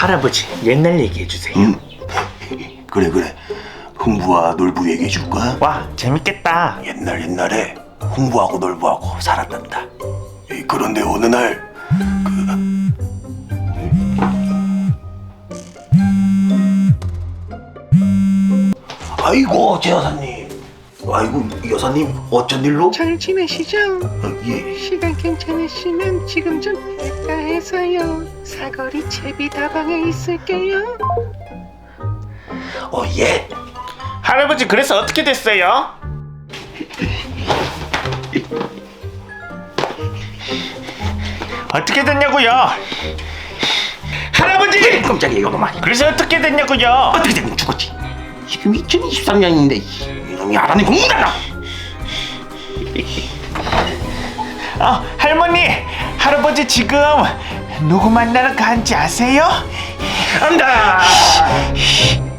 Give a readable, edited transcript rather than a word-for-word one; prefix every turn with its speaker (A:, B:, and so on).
A: 할아버지 옛날 얘기해 주세요.
B: 그래 흥부와 놀부 얘기해 줄 거야?
A: 와 재밌겠다.
B: 옛날에 흥부하고 놀부하고 살았단다. 그런데 어느 날 아이고 제 여사님, 아이고 여사님 어쩐 일로?
C: 잘 지내시죠?
B: 예.
C: 시간 괜찮으시면 지금 좀 할까 해서요. 사거리 채비다방에 있을게요.
B: 예.
A: 할아버지 그래서 어떻게 됐어요? 어떻게 됐냐고요? 할아버지!
B: 깜짝이야 이놈아.
A: 그래서 어떻게 됐냐고요?
B: 어떻게 되면 죽었지. 지금 2023년인데 이놈이 알아내 공부 달라.
A: 할머니, 할아버지 지금 누구 만나러 간지 아세요?
B: 안다.